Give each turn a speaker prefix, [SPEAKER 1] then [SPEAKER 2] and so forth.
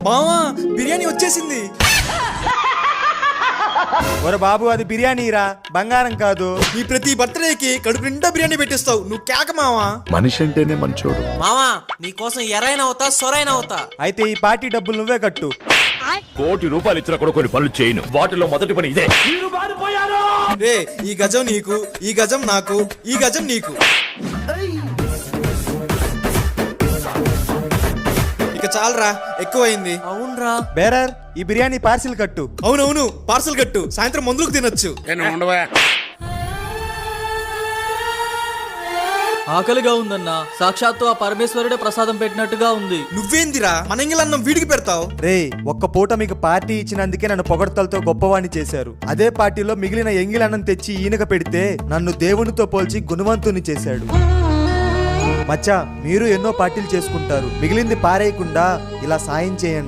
[SPEAKER 1] మావా బిర్యానీ వచ్చేసింది.
[SPEAKER 2] ఒరే బాబు, అది బిర్యానీరా, బంగారం కాదు.
[SPEAKER 1] నీ ప్రతి బర్త్డేకి కడుపు నిండా బిర్యానీ పెట్టిస్తావు, నువ్వు కేక మావా.
[SPEAKER 3] మనిషి అంటేనే మంచోడు.
[SPEAKER 4] మావా నీకోసం ఎరైనా అవుతా సొరైనా అవుతా.
[SPEAKER 2] అయితే ఈ పార్టీ డబ్బులు నువ్వే కట్టు.
[SPEAKER 3] ₹1,00,000 ఇచ్చినా కూడా కొన్ని పనులు చేయను. వాటిలో మొదటి పని ఇదే.
[SPEAKER 1] రే ఈ గజం నీకు, ఈ గజం నాకు, ఈ గజం నీకు. ఇక చాలరా, ఎక్కువైంది.
[SPEAKER 4] అవునరా.
[SPEAKER 2] బేరర్, ఈ బిర్యానీ పార్సిల్ కట్టు.
[SPEAKER 1] అవునవును, పార్సల్ కట్టు, సాయంత్రం మందులకు తినొచ్చు.
[SPEAKER 4] ఆకలిగా ఉందన్నా, సాక్షాత్తు ఆ పరమేశ్వరుడే ప్రసాదం పెట్టినట్టుగా ఉంది.
[SPEAKER 1] నువ్వేందిరా మన ఇంగిలన్నం వీడికి పెడతావు?
[SPEAKER 2] రే, ఒక్క పూట మీకు పార్టీ ఇచ్చినందుకే నన్ను పొగడ్తలతో గొప్పవాణ్ణి చేశారు. అదే పార్టీలో మిగిలిన ఎంగిలన్నం తెచ్చి ఈయనక పెడితే నన్ను దేవునితో పోల్చి గుణవంతుని చేశాడు. మచ్చా, మీరు ఎన్నో పార్టీలు చేసుకుంటారు, మిగిలింది పారేయకుండా ఇలా సాయం చేయండి.